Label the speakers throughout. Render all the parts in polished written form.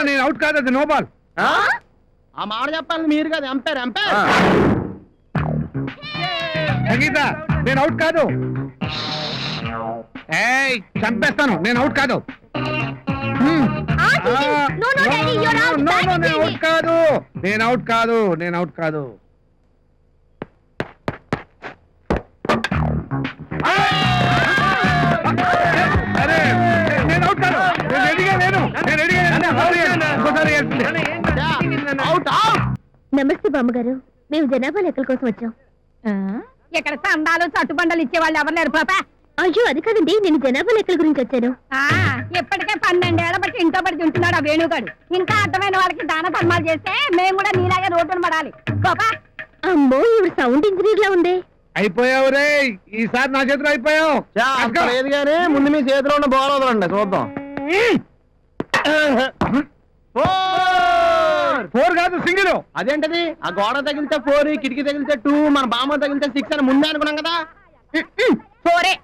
Speaker 1: నేను అవుట్ కాదు, అది నో బాల్.
Speaker 2: ఆ మాట చెప్పాలి మీరు కదా, ఎంపైర్ ఎంపైర్.
Speaker 1: సంగీత నేను అవుట్ కాదు. ఏయ్ చంపేస్తాను, నేను అవుట్ కాదు. నేను అవుట్ కాదు, నేను అవుట్ కాదు, నేను అవుట్ కాదు. అరే నేను అవుట్ కాదు, నేను రెడీగా లేను, నేను రెడీగా లేను.
Speaker 3: నమస్తే బామ్మగారు, మేము జనాభా లెక్కల కోసం వచ్చాం.
Speaker 4: ఇక్కడ సందాలు చట్టుబండలు ఇచ్చేవాళ్ళు ఎవరు లేరు పాప.
Speaker 3: అయ్యో అది కాదండి, నేను జనాభా లెక్కల గురించి వచ్చాను.
Speaker 4: ఇప్పటికే 12 ఏళ్ల బట్టి ఇంట్లో పడి ఉంటున్నాడు ఆ వేణుగాడు. ఇంకా అర్థమైన వాళ్ళకి దాన ధర్మాలు చేస్తే మేము కూడా నీలాగే రోడ్డును పడాలి. పాపా
Speaker 3: అమ్మో ఇవి సౌండ్ ఇంజనీర్ లా ఉంది.
Speaker 1: అయిపోయావు రే, ఈసారి నా చేతిలో అయిపోయావు.
Speaker 2: లేదు కానీ ముందు మీ చేతిలో ఉన్న బాల్ వదలండి చూద్దాం.
Speaker 1: 4 కాదు సింగిల్.
Speaker 2: అదేంటది, ఆ గోడ తగిలితే 4, కిటికీ తగిలితే 2, మన బామ్మ తగిలితే 6 అని ముందే అనుకున్నాం కదా.
Speaker 4: 4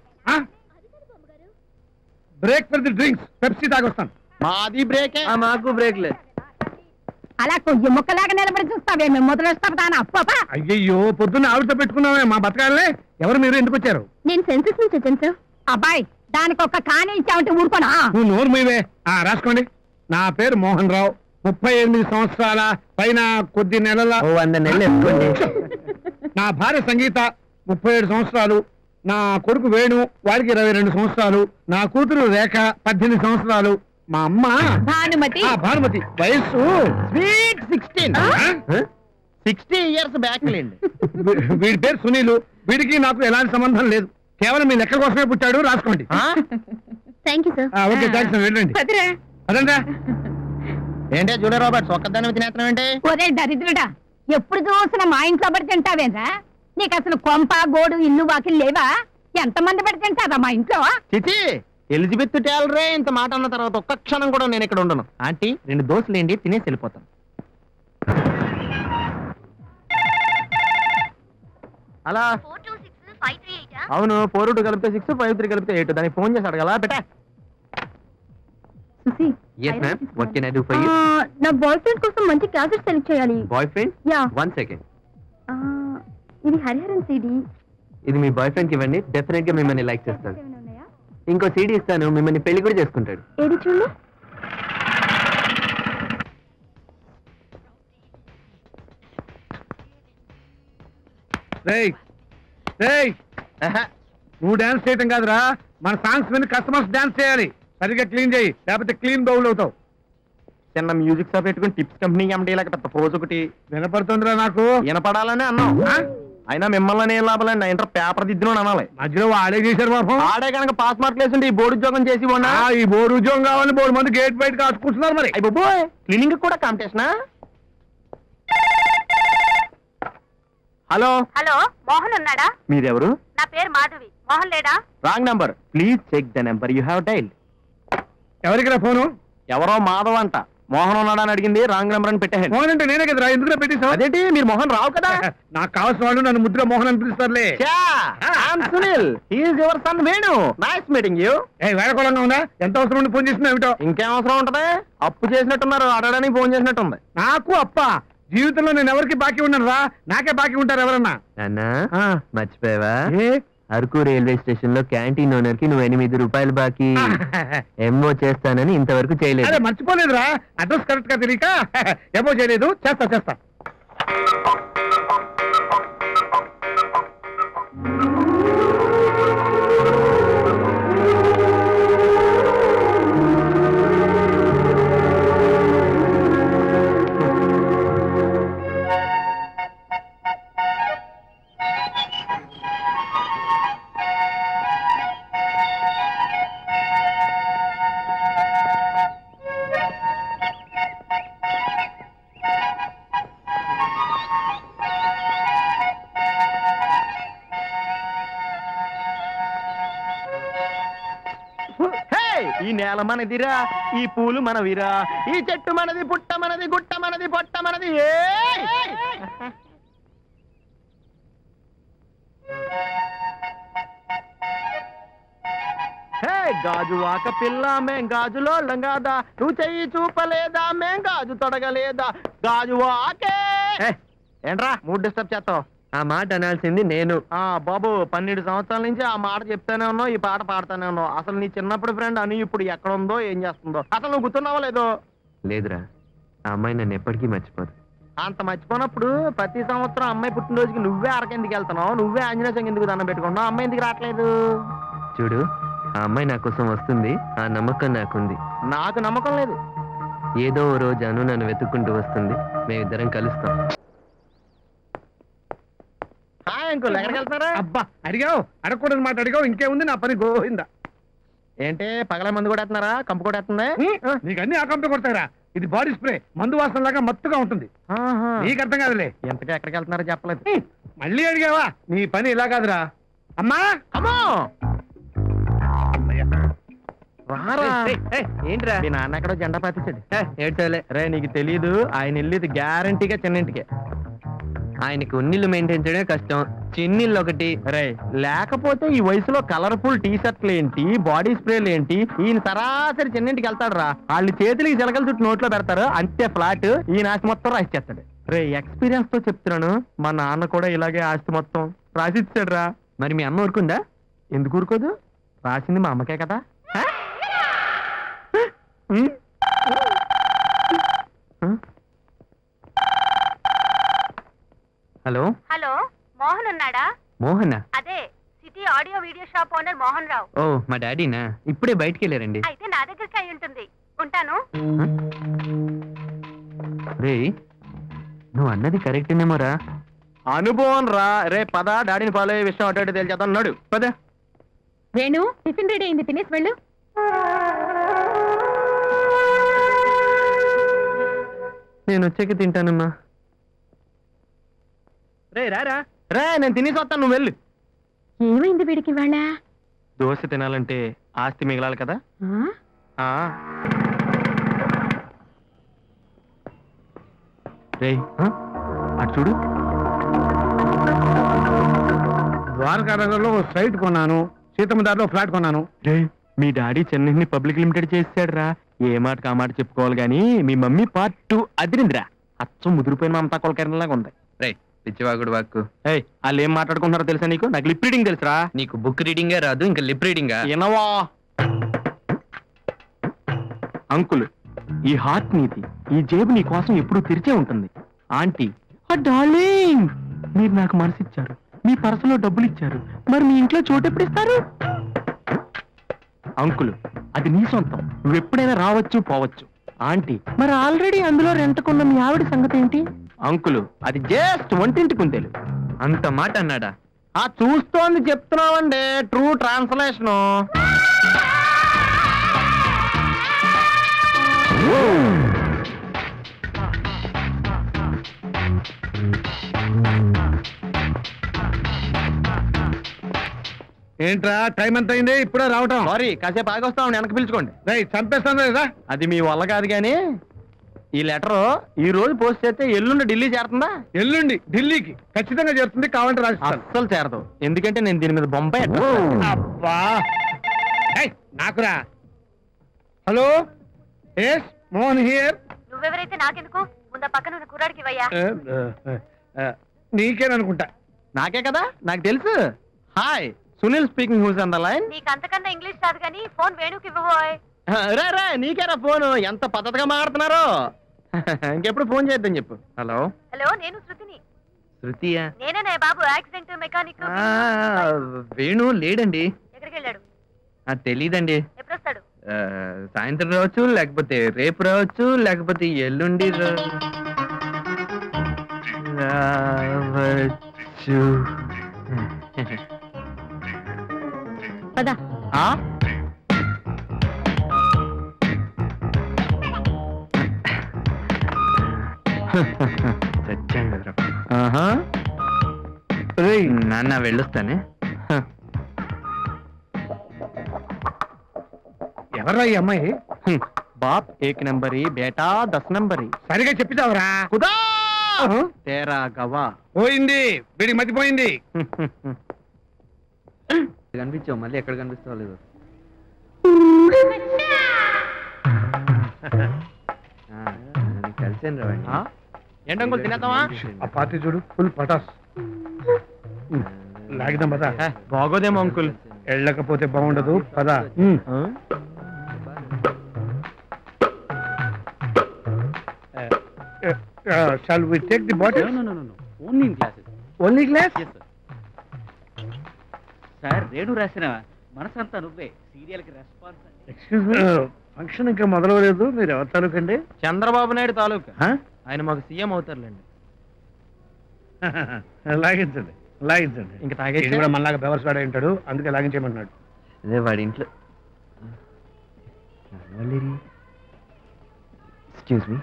Speaker 1: break for the drinks, Pepsi తాగొస్తాను.
Speaker 2: మాది బ్రేకే. మాకు బ్రేక్ లేదు.
Speaker 4: అలా కొయ్యి ముక్కలాగా నిలబడి చూస్తావే, మేము మొదలొస్తాం. పాపా
Speaker 1: అయ్యో పొద్దున్న ఆవిడతో పెట్టుకున్నామే మా బతకాలే. ఎవరు మీరు, ఎందుకు వచ్చారు?
Speaker 3: నేను సెన్సస్ నుంచి వచ్చాను సార్.
Speaker 4: అబ్బాయి దానికి ఒక్క కాని ఇచ్చామంటే ఊరుకోనా?
Speaker 1: నువ్వు నోరు మీవే. రాసుకోండి, నా పేరు మోహన్ రావు, 38 సంవత్సరాల పైన కొద్ది నెలల.
Speaker 2: 100 నెలలు వేసుకోండి.
Speaker 1: నా భార్య సంగీత 37 సంవత్సరాలు, నా కొడుకు వేణు వాడికి 22 సంవత్సరాలు, నా కూతురు రేఖ 18 సంవత్సరాలు, మా అమ్మ భానుమతి వయస్సు
Speaker 2: స్వీట్ 16. 60 ఇయర్స్ బ్యాక్ లేండి.
Speaker 1: వీడి పేరు సునీలు. వీడికి నాకు ఎలాంటి సంబంధం లేదు, కేవలం మీ లెక్క కోసమే పుట్టాడు. రాసుకోండి.
Speaker 3: Thank you sir.
Speaker 1: Okay thanks, వెళ్ళండి. అదంతా
Speaker 2: ఏంటే జూలియా రాబర్ట్స్ ఒక్కదాని తినేస్తున్నాం ఏంటి?
Speaker 4: ఒరే దరిద్రుడా, ఎప్పుడు చూసినా మా ఇంట్లో పడి తింటావేరా? నీకు అసలు కొంప గోడు ఇల్లు వాకిలు లేవా? ఎంతమంది పడి తింటారా మా ఇంట్లో?
Speaker 2: చిచి, ఎలిజబెత్ టేలరే ఇంత మాట అన్న తర్వాత ఒక్క క్షణం కూడా నేను ఇక్కడ ఉండను. ఆంటీ 2 దోశలు ఏంటి, తినేసి వెళ్ళిపోతాను. అలా అవును, 4 కలిపితే 6, 5 3 కలిపితే 8. దానికి ఫోన్ చేసి అడగలా బెటా.
Speaker 3: Yes ma'am, what can I do for you? నా బాయ్ ఫ్రెండ్ కోసం మంచి క్యాసెట్ సెలెక్ట్ చేయాలి.
Speaker 2: Boy friend?
Speaker 3: యా.
Speaker 2: 1 సెకండ్.
Speaker 3: ఇది హరిహరన్ సీడీ.
Speaker 2: ఇది మీ బాయ్ ఫ్రెండ్ కి ఇవ్వండి, డెఫినెట్ గా మిమ్మల్ని లైక్ చేస్తాడు. ఇంకో సీడీ ఇస్తాను, మిమ్మల్ని పెళ్లి కూడా చేసుకుంటాడు.
Speaker 3: ఏది చూడు.
Speaker 1: నువ్వు డాన్స్ చేయటం కాదురా, మన సాంగ్స్ మీద కస్టమర్స్ డాన్స్ చేయాలి. సరిగ్గా క్లీన్ చేయి, లేకపోతే క్లీన్ బౌల్ అవుతావు.
Speaker 2: చిన్న మ్యూజిక్ షాప్ పెట్టుకుని టిప్స్ కంపెనీ ఎండి లేక పెద్ద పోజ్ ఒకటి
Speaker 1: వినపడుతుందిరా నాకు.
Speaker 2: వినపడాలని అన్నాం, అయినా మిమ్మల్ని ఏం లాభాలండి. ఇంటర్ పేపర్ దిద్దును అనాలి.
Speaker 1: మధ్యలో ఆడే చేశారు పాపం.
Speaker 2: ఆడే కనుక పాస్ మార్క్ లేకుంటే ఈ బోర్డు ఉద్యోగం చేసి ఉన్నా.
Speaker 1: ఈ బోర్డు ఉద్యోగం కావాలని బోర్డు మంది గేట్ బయట కాచుకుంటున్నారు. మరి
Speaker 2: అయిపోయి క్లీనింగ్ కూడా కాంపిటీషనా? హలో
Speaker 4: హలో, మోహన్ ఉన్నాడా?
Speaker 2: మీరెవరు?
Speaker 4: నా పేరు మాధవి. మోహన్ లేడా?
Speaker 2: Wrong number, please check the number you have dialled.
Speaker 1: ఎవరికి ఫోను?
Speaker 2: ఎవరో మాధవ్ అంట. మోహన్ ఉన్నాడా అని అడిగింది, రాంగ్ నెంబర్ అని పెట్టాను.
Speaker 1: మోహన్ అంటే నేనే కదరా, ఎందుకు పెట్టేశావు?
Speaker 2: అదేంటి, మీరు మోహన్ రావు కదా.
Speaker 1: నాకు కావాల్సిన వాళ్ళు నన్ను ముద్ర మోహన్ అని పిలుస్తారులే.
Speaker 2: Sunil, he's your son Venu. Nice meeting you.
Speaker 1: వేడకోళంగా ఉందా? ఎంత అవసరం ఉండి ఫోన్ చేసినా ఏమిటో.
Speaker 2: ఇంకేం అవసరం ఉంటది, అప్పు చేసినట్టున్నారు, అడగడానికి ఫోన్ చేసినట్టుంది.
Speaker 1: నాకు అప్ప జీవితంలో నేను ఎవరికి బాకీ ఉన్నాను రా, నాకే బాకీ ఉంటారు ఎవరన్నా.
Speaker 2: మర్చిపోయావా, అరకు రైల్వే స్టేషన్ లో క్యాంటీన్ ఓనర్ కి నువ్వు 8 రూపాయలు బాకీ ఎంఓ చేస్తానని ఇంతవరకు చేయలేదు.
Speaker 1: అదే మర్చిపోలేదురా, అడ్రస్ కరెక్ట్ గా తెలియక ఎంఓ చేయలేదు. చేస్తా.
Speaker 2: ఈ నేల మనదిరా, ఈ పూలు మనవిరా, ఈ చెట్టు మనది, పుట్ట మనది, గుట్ట మనది, పొట్ట మనది. గాజువాక పిల్ల మేం గాజులో లంగాదా నువ్వు చెయ్యి చూపలేదా మేం గాజు తొడగలేదా గాజువాకే ఏంట్రా మూడ్ డిస్టర్బ్ చేస్తావు ఆ మాట అనాల్సింది నేను బాబు 12 సంవత్సరాల నుంచి ఆ మాట చెప్తానే ఉన్నావు ఈ పాట పాడుతానే ఉన్నావు అసలు నీ చిన్నప్పుడు ఫ్రెండ్ అని ఇప్పుడు ఎక్కడ ఉందో ఏం చేస్తుందో అసలు నువ్వు గుర్తున్నావో లేదో లేదురా ఆ అమ్మాయి నన్ను ఎప్పటికీ మర్చిపోదు అంత మర్చిపోయినప్పుడు ప్రతి సంవత్సరం అమ్మాయి పుట్టినరోజుకి నువ్వే అరకెందుకు వెళ్తున్నావు నువ్వే ఆంజనేయ స్వామి ఎందుకు దండం పెట్టుకుంటున్నావు అమ్మాయి ఎందుకు రావట్లేదు చూడు ఆ అమ్మాయి నా కోసం వస్తుంది ఆ నమ్మకం నాకుంది నాకు నమ్మకం లేదు ఏదో ఓ రోజు అను నన్ను వెతుక్కుంటూ వస్తుంది మేమిద్దరం కలుస్తాం హాయ్ అంకుల్ ఎక్కడికి వెళ్తున్నారా
Speaker 1: అబ్బా అడిగావు అడగకూడని మాట అడిగావు ఇంకేముంది నా పని గోయిందా
Speaker 2: ఏంటి పగల మందు కూడా వేస్తున్నారా కంపు కూడా వేస్తుందా
Speaker 1: నీకు అన్ని ఆకంపి కొడతారా ఇది బాడీ స్ప్రే మందు వాసన లాగా మత్తుగా ఉంటుంది నీకు అర్థం కాదులే
Speaker 2: ఎంతగా ఎక్కడికి వెళ్తున్నారో చెప్పలేదు
Speaker 1: మళ్ళీ అడిగావా నీ పని ఇలా కాదురా అమ్మా
Speaker 2: అమ్మో ఏంట్రా మీ నాన్న ఎక్కడో జెండా పాతించాడు ఏడ్చాలే రే నీకు తెలీదు ఆయన వెళ్ళేది గ్యారంటీగా చిన్నింటికే ఆయనకి ఉన్నిళ్ళు మెయింటైన్ చేయడమే కష్టం చిన్నిళ్ళు ఒకటి రే లేకపోతే ఈ వయసులో కలర్ఫుల్ టీ షర్ట్లు ఏంటి బాడీ స్ప్రేలు ఏంటి ఈయన సరాసరి చిన్నింటికి వెళ్తాడు రా వాళ్ళు చేతులకి జలకల చుట్టూ నోట్లో పెడతారు అంతే ఫ్లాట్ ఈయన ఆస్తి మొత్తం రాసిచ్చేస్తాడు రే ఎక్స్పీరియన్స్ తో చెప్తున్నాను మా నాన్న కూడా ఇలాగే ఆస్తి మొత్తం రాసిచ్చాడు రా మరి మీ అమ్మ ఊరుకుందా ఎందుకు ఊరుకోదు రాసింది మా అమ్మకే కదా హలో
Speaker 3: హలో మోహన్ ఉన్నాడా?
Speaker 2: మోహన్
Speaker 3: అదే city audio video shop owner Mohan Rao.
Speaker 2: ఓ మా డాడీనా ఇప్పుడే బయటికి వెళ్ళారండి.
Speaker 3: అయితే నా దగ్గరికి అయి ఉంటుంది. ఉంటాను.
Speaker 2: రే నువ్వు అన్నది కరెక్టేనేమోరా. అనుభవం రా. రే పద డాడీని ఫాలో అయ్యే విషయం అటు తెలిచేద్దాం. అన్నాడు పద.
Speaker 4: వేణు టిఫిన్ రెడీ అయింది, తినేసి వెళ్ళు.
Speaker 2: నేను వచ్చాక తింటానమ్మా. రే రారా రే నేను తినేసి వస్తాను, నువ్వు వెళ్ళు.
Speaker 4: ఏమైంది వీడికి వాళ్ళ?
Speaker 2: దోశ తినాలంటే ఆస్తి మిగలాలి కదా. రే అటు చూడు.
Speaker 1: ద్వారకానగర్లో సైట్ కొన్నాను, సీతమ్మ దారిలో ఫ్లాట్ కొన్నాను.
Speaker 2: రే మీ డాడీ చెన్నైని పబ్లిక్ లిమిటెడ్ చేసాడు రా. ఏ మాటకు ఆ మాట చెప్పుకోవాలి గానీ మీ మమ్మీ పార్ట్ 2 అదిరిందిరా. అచ్చం ముదిరిపోయిన మమతా కొలకరణలాగా ఉంది. రే పిచ్చివాగుడు వాక్కు. ఏయ్ వాళ్ళు ఏం మాట్లాడుకుంటున్నారో తెలుసా నీకు? నాకు లిప్ రీడింగ్ తెలుసురా. నీకు బుక్ రీడింగే రాదు, ఇంకా లిప్ రీడింగా? వినవా అంకుల్, ఈ హార్ట్ నీది, ఈ జేబు నీ కోసం ఎప్పుడు తెరిచే ఉంటుంది. ఆంటీ డార్లింగ్, మీరు నాకు మనసిచ్చారు, మీ పర్సులో డబ్బులు ఇచ్చారు, మరి మీ ఇంట్లో చోటు ఎప్పుడు ఇస్తారు? అంకుల్ అది నీ సొంతం, నువ్వు ఎప్పుడైనా రావచ్చు పోవచ్చు. ఆంటీ మరి ఆల్రెడీ అందులో రెంట్కున్న మీ ఆవిడ సంగతి ఏంటి? అంకుల్ అది జస్ట్ వంటింటి కుందేలు. అంత మాట అన్నాడా? ఆ చూస్తోంది చెప్తున్నావండి, ట్రూ ట్రాన్స్లేషన్.
Speaker 1: ఏంట్రా టైం ఎంత అయింది? ఇప్పుడే రావటం?
Speaker 2: సారీ కాసేపు ఆగొస్తాం, వెనక్కి పిలుచుకోండి.
Speaker 1: చంపేస్తాను లేదా?
Speaker 2: అది మీ వల్ల కాదు కానీ ఈ లెటర్ ఈ రోజు పోస్ట్ చేస్తే ఎల్లుండి ఢిల్లీ చేరుతుందా?
Speaker 1: ఎల్లుండి ఢిల్లీకి ఖచ్చితంగా చేరుతుంది, కావాలంటే రాసిస్తాను.
Speaker 2: అస్సలు చేరదు, ఎందుకంటే నేను దీని మీద బొంబాయి.
Speaker 1: అబ్బా నాకురా. Hello yes Mohan here.
Speaker 3: నువ్వెవరైతే నాకెందుకు? ముందు పక్కన ఉన్న కుర్రాడికి ఇవ్వయ్యా.
Speaker 1: నీకేననుకుంటా.
Speaker 2: నాకే కదా, నాకు తెలుసు. Hi Sunil speaking, who's on the line?
Speaker 3: నీకు అంతకన్నా ఇంగ్లీష్ రాదు కానీ ఫోన్ వేణుకి ఇవ్వబోయ్.
Speaker 2: రే రే నీకేరా ఫోన్, ఎంత పద్ధతిగా మాట్లాడుతున్నారు. ఇంకెప్పుడు ఫోన్ చేద్దాం చెప్పు. హలో
Speaker 3: హలో, నేను శృతిని.
Speaker 2: శృతియా?
Speaker 3: నేనే బాబు, యాక్సిడెంట్ మెకానిక్.
Speaker 2: వేణు లేడండి.
Speaker 3: ఎక్కడికి వెళ్ళాడు?
Speaker 2: తెలీదండి.
Speaker 3: ఎప్పుడు వస్తాడు?
Speaker 2: సాయంత్రం రావచ్చు, లేకపోతే రేపు రావచ్చు, లేకపోతే ఎల్లుండి రావచ్చు.
Speaker 4: పద.
Speaker 2: నాన్న వెళ్ళొస్తానే.
Speaker 1: ఎవర్రా ఈ అమ్మాయి?
Speaker 2: బాప్ 1 నంబరి, బేటా 10 నంబరి.
Speaker 1: సరిగా చెప్పిదావరా?
Speaker 2: కుదా తేరా గవా.
Speaker 1: పోయింది, వీడికి మతిపోయింది.
Speaker 2: కనిపించావు, మళ్ళీ ఎక్కడ కనిపిస్తావు లేదు. కలిసాను రావండి. ఏంటంకుల్ తినేద్దామా?
Speaker 1: ఆ పార్టీ చూడు ఫుల్ పటాస్. లాగిదాం పదా.
Speaker 2: బాగోదేమో అంకుల్.
Speaker 1: వెళ్ళకపోతే బాగుండదు పదా. Shall we take the bottle?
Speaker 5: Only in classes.
Speaker 1: Only glass?
Speaker 5: Sir Renu రాసిన మనసంతా నువ్వే సీరియల్ కి రెస్పాన్స్.
Speaker 1: ఎక్స్క్యూజ్ మీ, ఫంక్షన్ ఇంకా మొదలవలేదు. మీరు ఎవరి తాలూకండి?
Speaker 2: చంద్రబాబు నాయుడు తాలూకా.
Speaker 1: Huh?
Speaker 2: ఆయన మాకు సీఎం అవుతారులేండి.
Speaker 1: లాగించండి లాగించండి.
Speaker 2: ఇంకా
Speaker 1: ఇది
Speaker 2: తాగేసి
Speaker 1: కూడా మనలాగా బెవర్స్ వాడే ఉంటాడు, అందుకే లాగించేయమంటున్నాడు.
Speaker 2: అదే వాడి ఇంట్లో. Excuse me.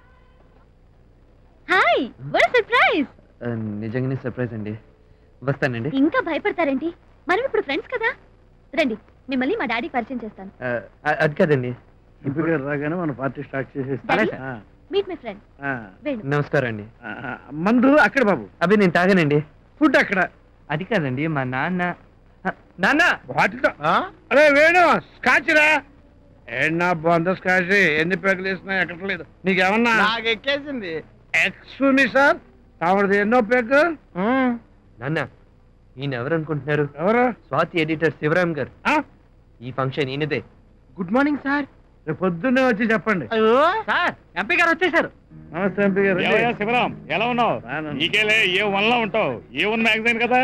Speaker 3: Hi, what surprise.
Speaker 2: నిజంగానే సర్ప్రైజ్ అండి. వస్తానండి.
Speaker 3: ఇంకా భయపడతారేంటి? మనం ఇప్పుడు ఫ్రెండ్స్ కదా. రండి, మిమ్మల్ని మా డాడీ పరిచయం చేస్తాను.
Speaker 2: అది కాదండి.
Speaker 1: ఇప్పుడు రాగానే మన పార్టీ స్టార్ట్ చేసేస్తాం.
Speaker 3: Daddy? Meet my friend Venu.
Speaker 2: నమస్కారం అండి.
Speaker 1: మందు అక్కడ బాబు,
Speaker 2: అవి నేను తాగానండి.
Speaker 1: ఫుడ్ అక్కడ.
Speaker 2: అది కాదండి, మా నాన్న. నాన్న
Speaker 1: వాటితో అరే వేణు, స్కాచ్ రా. ఏనా బాగుందో స్కాచ్. ఎన్ని పేకలు వేసినా ఎక్కట్లేదు. నీకేమన్నా
Speaker 2: నాకు ఎక్కేసింది.
Speaker 1: ఎక్స్క్యూజ్ మీ సార్, కావడది ఎన్నో పేకు?
Speaker 2: నాన్న, ఈయన ఎవరు అనుకుంటున్నారు?
Speaker 1: ఎవరు?
Speaker 2: స్వాతి ఎడిటర్ శివరామ్ గారు. ఈ ఫంక్షన్ ఈయనదే. Good morning sir.
Speaker 1: రేపు పొద్దున్నే వచ్చి చెప్పండి.
Speaker 5: సార్ ఎంపీ గారు వచ్చేసారు.
Speaker 1: నమస్తే ఎంపీ గారు.
Speaker 6: శివరాం, ఎలా ఉన్నావు? నీకేలే ఏ వన్లా ఉంటావు. ఏ వన్ మ్యాగజైన్ కదా.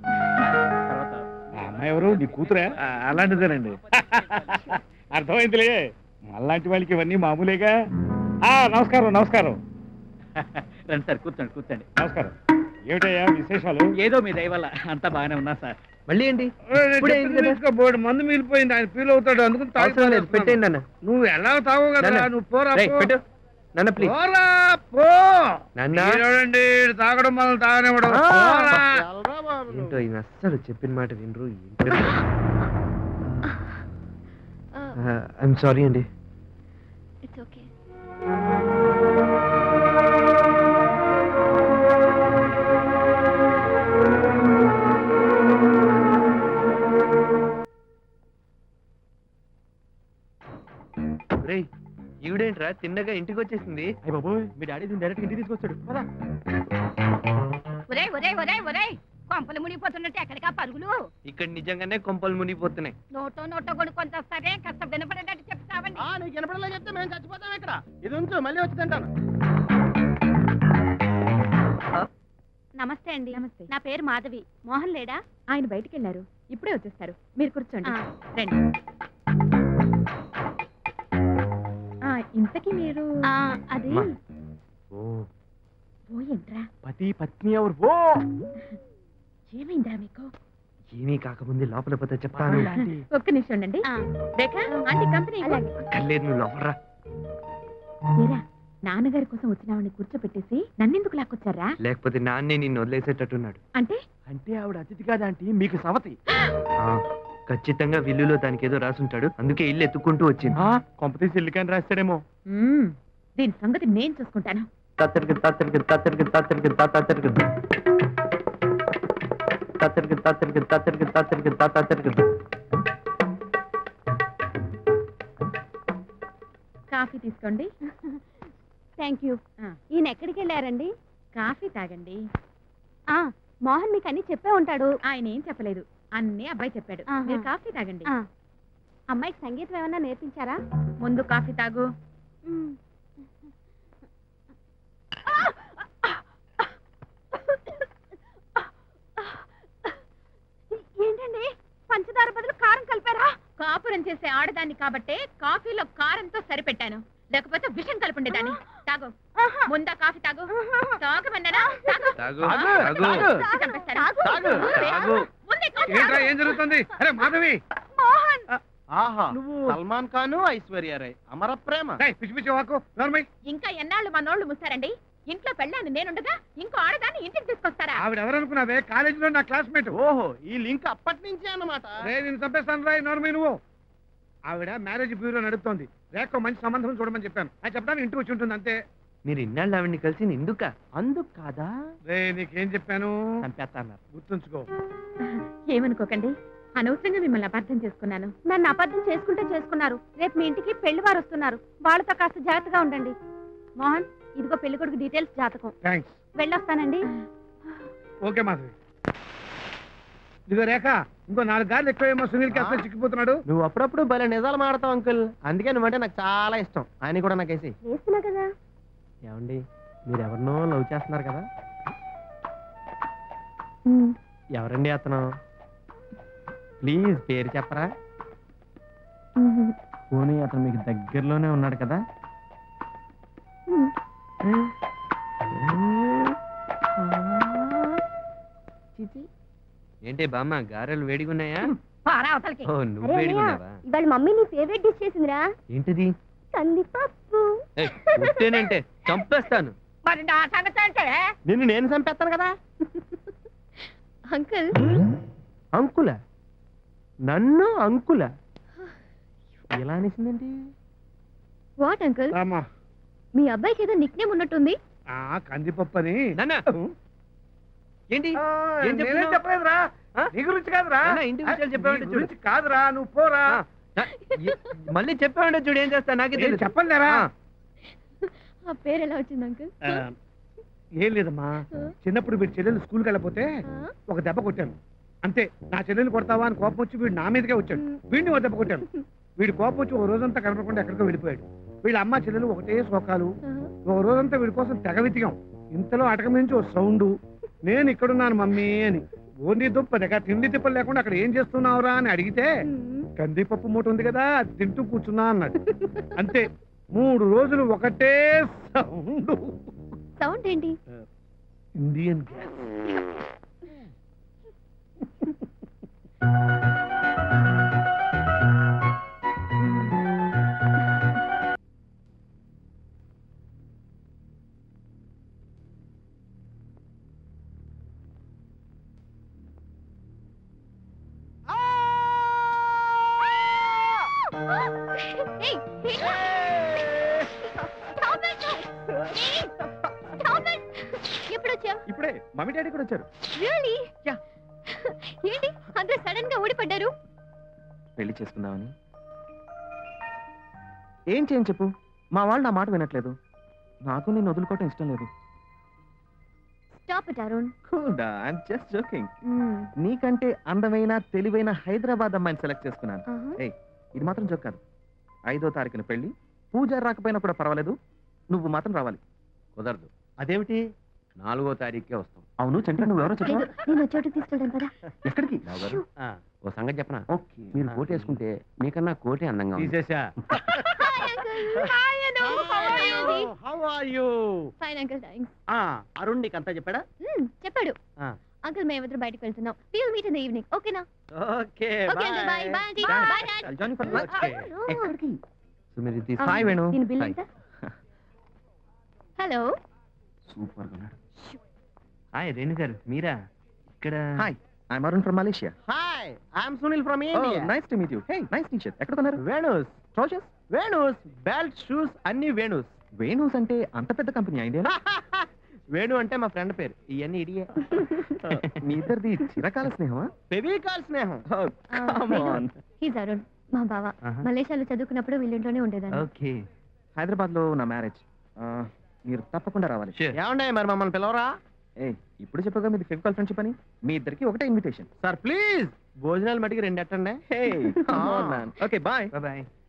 Speaker 6: ఆ అమ్మాయి ఎవరు? నీ కూతురే?
Speaker 1: అలాంటిదేనండి.
Speaker 6: అర్థమైందిలే, మళ్ళాంటి వాళ్ళకి ఇవన్నీ మామూలేగా. నమస్కారం నమస్కారం
Speaker 5: రండి సార్, కూర్చోండి కూర్చోండి.
Speaker 6: నమస్కారం. ఏమిటయ్యా విశేషాలు?
Speaker 5: ఏదో మీ దయ వల్ల అంతా బాగానే ఉన్నా సార్.
Speaker 2: మళ్ళీ ఏంటి? ఇప్పుడే అయింది కదా.
Speaker 1: బోర్డు మందు మిగిలిపోయింది, ఆయన ఫీల్ అవుతాడు, అందుకని
Speaker 2: అవసరం లేదు, పెట్టేయండి నాన్న.
Speaker 1: నువ్వు ఎలా తావు కదా.
Speaker 2: నాన్న,
Speaker 1: నువ్వు పోరా
Speaker 2: రేయ్, పెట్టు. నాన్న ప్లీజ్.
Speaker 1: పోరా పో.
Speaker 2: నాన్న.
Speaker 1: చూడండి, తాగడం మనం తాగనివ్వడం. పోరా.
Speaker 2: ఏంటో ఈయన అస్సలు చెప్పిన మాట వినరు. ఐఎమ్ సారీ అండి.
Speaker 3: It's okay.
Speaker 2: రేయ్, ఈవిడేంట్రా తిన్నగా ఇంటికి వచ్చేసింది?
Speaker 5: అయ్య బాబోయ్, మీ డాడీ దీన్ని డైరెక్ట్ ఇంటికి తీసుకొచ్చాడు. పదా.
Speaker 4: ఒరే ఒరే ఒరే ఒరే, కొంపలు మునిగిపోతున్నట్టు ఎక్కడికా పరుగులు?
Speaker 2: ఇక్కడ నిజంగానే కొంపలు మునిగిపోతున్నాయి.
Speaker 4: నోటో నోటో కొనుక్కొని వస్తారే, కాస్త వినపడేటట్టు చెప్తావండి.
Speaker 2: నీకు వినపడలే చెప్తే మేము చచ్చిపోతాం ఇక్కడ. ఇది ఉంచు, మళ్ళీ వచ్చి తింటాను.
Speaker 3: నమస్తే అండి. నమస్తే. నా పేరు మాధవి. మోహన్ లేడా? ఆయన బయటికి వెళ్ళారు, ఇప్పుడే వచ్చేస్తారు. మీరు కూర్చోండి. రండి. ఇంతకీ మీరు అది ఏంట్రా?
Speaker 2: పతి పత్ని ఎవరు?
Speaker 3: ఏమైందా మీకు?
Speaker 2: ఏమీ కాకముందే లోపల పోతే చెప్తాను.
Speaker 3: ఒక్క నిమిషం ఉండండి. రేఖా, ఆంటీ కంపెనీ.
Speaker 2: కల్లేదు, నువ్వు లోపలరా.
Speaker 3: నాన్నగారి కోసం వచ్చిన ఆవిడని కూర్చోపెట్టేసి నన్నెందుకు లాక్కొచ్చారా?
Speaker 2: లేకపోతే నాన్నే నిన్ను వదిలేసేటట్టున్నాడు.
Speaker 3: అంటే
Speaker 5: అంటే ఆవిడ అతిథి కాదంటీ, మీకు సవతి.
Speaker 2: ఖచ్చితంగా విల్లులో దానికి ఏదో రాసుంటాడు, అందుకే ఇల్లు ఎత్తుకుంటూ వచ్చింది.
Speaker 5: కొంపతీసి ఇల్లుకని రాస్తాడేమో.
Speaker 3: దీని సంగతి నేను చూసుకుంటాను.
Speaker 2: తత్తరికి తత్తరికి తత్తరికి తత్తరికి తత్తరికి తత్తరికి తత్తరికి తత్తరికి తత్తరికి తత్తరికి.
Speaker 3: కాఫీ తీసుకోండి.
Speaker 4: Thank you. ఈయన ఎక్కడికి వెళ్ళారండి?
Speaker 3: కాఫీ తాగండి.
Speaker 4: మోహన్ మీకు అన్ని చెప్పే ఉంటాడు.
Speaker 3: ఆయన ఏం చెప్పలేదు, అన్నీ అబ్బాయి చెప్పాడు. మీరు కాఫీ తాగండి.
Speaker 4: అమ్మాయికి సంగీతం ఏమన్నా నేర్పించారా?
Speaker 3: ముందు కాఫీ తాగు.
Speaker 4: ఏంటండి, పంచదార బదులు కారం కలిపారా?
Speaker 3: కాపురం చేసే ఆడదాన్ని కాబట్టే కాఫీలో కారంతో సరిపెట్టాను, లేకపోతే విషం కలుపుండేదాన్ని. తాగు, ముందా కాఫీ తాగు. తాగమన్నానా? తాగు. చంపేస్తాను. ముందే కాఫీ
Speaker 1: ఏంట్రా,
Speaker 3: తాగు.
Speaker 1: ఏం జరుగుతుంది? అరే మాధవి,
Speaker 2: ఆహా, సల్మాన్ ఖాన్ ఐశ్వర్య రాయ్ అమర ప్రేమ.
Speaker 1: పిచ్చి పిచ్చి వాకు నోర్మై.
Speaker 3: ఇంకా ఎన్నాళ్ళు మా నోళ్లు ముస్తారండి? ఇంట్లో పెళ్ళాను నేనుండగా ఇంకో ఆడదాన్ని ఇంటికి తీసుకొస్తారా?
Speaker 1: ఆవిడ ఎవరనుకున్నావే? కాలేజీలో నా క్లాస్మేట్.
Speaker 2: ఓహో, ఈ లింక్ అప్పటి నుంచే అన్నమాట.
Speaker 1: రే, నేను చంపేస్తాను రాయ్ నోర్మై నువ్వు. ఆవిడ మ్యారేజ్ బ్యూరో నడుపుతోంది. రేఖ మంచి సంబంధం చూడమని చెప్పాను. అది చెప్పడానికి ఇంటికి వచ్చి ఉంటుంది అంతే.
Speaker 2: మీరు ఇన్నాళ్ళు ఆవిడ్ని కలిసి ఎందుక? అందుకు కాదా?
Speaker 1: రే, నీకేం చెప్పాను?
Speaker 2: చంపేస్తాన్నారు.
Speaker 1: గుర్తుంచుకో.
Speaker 3: ఏమనుకోకండి, అనవసరంగా మిమ్మల్ని అపార్థం చేసుకున్నాను. నన్ను అపార్థం చేసుకుంటే చేసుకున్నారు. రేపు మీ ఇంటికి పెళ్లి వారు వస్తున్నారు. వాళ్ళతో కాస్త జాగ్రత్తగా ఉండండి. మోహన్, ఇదిగో పెళ్లి కొడుకు డీటెయిల్స్, జాతకం.
Speaker 1: థ్యాంక్స్.
Speaker 3: వెళ్ళొస్తానండి.
Speaker 1: ఓకే మాధవి. ఇదిగో రేఖ, ఇంకో 4 గార్లు ఎక్కువేమో సునీల్కి అసలు చిక్కిపోతున్నాడు.
Speaker 2: నువ్వు అప్పుడప్పుడు భలే నిజాలు మాడతావు అంకుల్. అందుకే నువ్వంటే నాకు చాలా ఇష్టం. ఆయన కూడా నాకేసి.
Speaker 3: వేస్తున్నా కదా.
Speaker 2: ఏమండి, మీరు ఎవరినో లవ్ చేస్తున్నారు కదా? ఎవరండి అతను? ప్లీజ్ పేరు చెప్పరా? పోనీ అతను మీకు దగ్గరలోనే ఉన్నాడు కదా? ఏంటి బామ్మ, గారెలు వేడిగా ఉన్నాయా?
Speaker 4: పారా అవతలకి.
Speaker 2: ఓ, నువ్వు వేడిగా ఉన్నావా?
Speaker 3: ఇవాళ మమ్మీ నీ ఫేవరెట్ డిష్ చేసిందిరా.
Speaker 2: ఏంటిది?
Speaker 3: కందిపప్పు.
Speaker 2: పుట్టేనంటే చంపేస్తాను.
Speaker 4: మరి నా సంగతి అంటే
Speaker 2: నేను చంపేస్తాను కదా.
Speaker 3: అంకుల్,
Speaker 2: అంకుల? నన్ను అంకుల ఎలా అనేసిందండి?
Speaker 3: What uncle?
Speaker 1: రామా,
Speaker 3: మీ అబ్బాయికి ఏదో నిక్ నేమ్ ఉన్నట్టుంది.
Speaker 1: కందిపప్పు అని.
Speaker 2: నాన్న ఏంటి? ఏం
Speaker 1: నేనేం
Speaker 2: చెప్తున్నావ్?
Speaker 1: చెప్పలేదురా.
Speaker 2: ఆ?
Speaker 1: నీ గురించి కాదురా.
Speaker 2: నాన్న, ఇంటి విషయాలు చెప్పావంటే
Speaker 1: నీ
Speaker 2: చూడు.
Speaker 1: గురించి కాదురా, నువ్వు పోరా.
Speaker 2: మళ్ళీ చెప్పావంటే చూడు, ఏం చేస్తా నాకే
Speaker 1: నేను
Speaker 2: తెలియదు.
Speaker 1: చెప్పలేరా.
Speaker 3: ఆ పేరు ఎలా వచ్చింది అంకుల్?
Speaker 1: ఏం లేదమ్మా, చిన్నప్పుడు వీడి చెల్లెలు స్కూల్కి వెళ్ళకపోతే ఒక దెబ్బ కొట్టాను. అంతే, నా చెల్లెలు కొడతావా అని కోపం వచ్చి వీడు నా మీదకే వచ్చాడు. వీడిని ఒక దెబ్బ కొట్టాను. వీడి కోపం వచ్చి ఒక రోజంతా కనపడకుండా ఎక్కడికో వెళ్ళిపోయాడు. వీళ్ళ అమ్మ చెల్లెలు ఒకటే శోకాలు. ఒక రోజంతా వీడి కోసం తెగ వెతికాం. ఇంతలో అటకం నుంచి ఒక సౌండ్, నేను ఇక్కడున్నాను మమ్మీ అని. ఓన్లీ దుప్ప దగ్గర తిండి తిప్పలు లేకుండా అక్కడ ఏం చేస్తున్నావురా అని అడిగితే, కందిపప్పు మూట ఉంది కదా అది తింటూ కూర్చున్నా అన్నాడు. అంతే, 3 రోజులు ఒకటే సౌండ్.
Speaker 3: సౌండ్ ఏంటి?
Speaker 1: Indian gas.
Speaker 3: Hey, hey. Stop it. Hey, stop it. ఎప్పుడు వచ్చావు?
Speaker 2: ఇప్పుడే మమ్మీ డాడీ కూడా వచ్చారు.
Speaker 3: Really?
Speaker 2: Yeah.
Speaker 3: ఏంటి అందరూ సడన్ గా ఊడిపడ్డారు?
Speaker 2: పెళ్లి చేసుకుందామని. ఏం చేయని చెప్పు, మా వాళ్ళు నా మాట వినట్లేదు. నాకు నేను వదులుకోవటం ఇష్టం లేదు.
Speaker 3: Stop it, Arun.
Speaker 2: Cool, I'm just joking. నీకంటే అందమైన తెలివైన హైదరాబాద్ అమ్మాయిని సెలెక్ట్ చేసుకున్నాను. ఏయ్, ఇది మాత్రం జోక్ కాదు. 5వ తారీఖున పెళ్లి. పూజ రాకపోయినా కూడా పర్వాలేదు, నువ్వు మాత్రం రావాలి. కుదరదు. అదేమిటి? 4వ తారీఖుకే వస్తాం. అవును చంద్ర, నువ్వెవరో చెప్పు.
Speaker 3: నేను చోటుకి తీసుకెళ్తాను కదా.
Speaker 2: ఎక్కడికి? ఓ సంగతి చెప్పనా? ఓకే, మీరు కోట్ వేసుకుంటే మీకన్నా కోటే అందంగా ఉంది.
Speaker 6: తీసేసా.
Speaker 3: Hi, Anu. How are you?
Speaker 2: How are you?
Speaker 3: Fine, uncle. Thanks.
Speaker 2: Arun నీకు అంతా చెప్పాడా?
Speaker 3: చెప్పాడు. అంకుల్ మేమిద్దరు బయటకు వెళ్తున్నాం. We'll meet in the evening. ఓకేనా?
Speaker 2: Okay,
Speaker 3: Okay, uncle. Bye. Bye, auntie. Bye, dad.
Speaker 2: I'll join you for lunch. ఎక్కడికి? సుమిరితి.
Speaker 3: Um,
Speaker 2: hi Venu.
Speaker 3: దీని బిల్ ఎంత? హలో.
Speaker 2: సూపర్ గా ఉన్నాడు. హాయ్ రేణు గారు, మీరా ఇక్కడ? Hi, I'm Arun from Malaysia.
Speaker 7: Hi, I'm Sunil from India.
Speaker 2: Nice to meet you. Hey, nice T-shirt. ఎక్కడ కొన్నారు?
Speaker 7: Venu's
Speaker 2: trousers?
Speaker 7: Venu's belt shoes అన్ని వేణూస్.
Speaker 2: వేణూస్ అంటే అంత పెద్ద కంపెనీ ఇండియా?
Speaker 7: వేణు అంటే మా ఫ్రెండ్ పేరు. ఇవన్నీ ఇడియే.
Speaker 2: మీ ఇద్దరిది చిరకాల స్నేహమా?
Speaker 7: ఫెవికాల్ స్నేహం.
Speaker 2: Come on.
Speaker 3: హీజ్ అరుణ్, మా బావ. మలేషియాలో చదువుకున్నప్పుడు వీళ్ళింట్లోనే ఉండేదాన్ని.
Speaker 2: ఓకే. హైదరాబాద్ లో నా మ్యారేజ్. మీరు తప్పకుండా రావాలి.
Speaker 7: ఏమండే మరి మమ్మల్ని పిలవరా?
Speaker 2: ఏయ్, ఇప్పుడు చెప్పగా మీది ఫెవికాల్ ఫ్రెండ్షిప్ అని. మీ ఇద్దరికి ఒకటే ఇన్విటేషన్.
Speaker 7: సార్ ప్లీజ్ భోజనాలు మటుకు 2 ఎట్టండి.
Speaker 2: Hey, come on man. Okay, bye.
Speaker 7: Bye.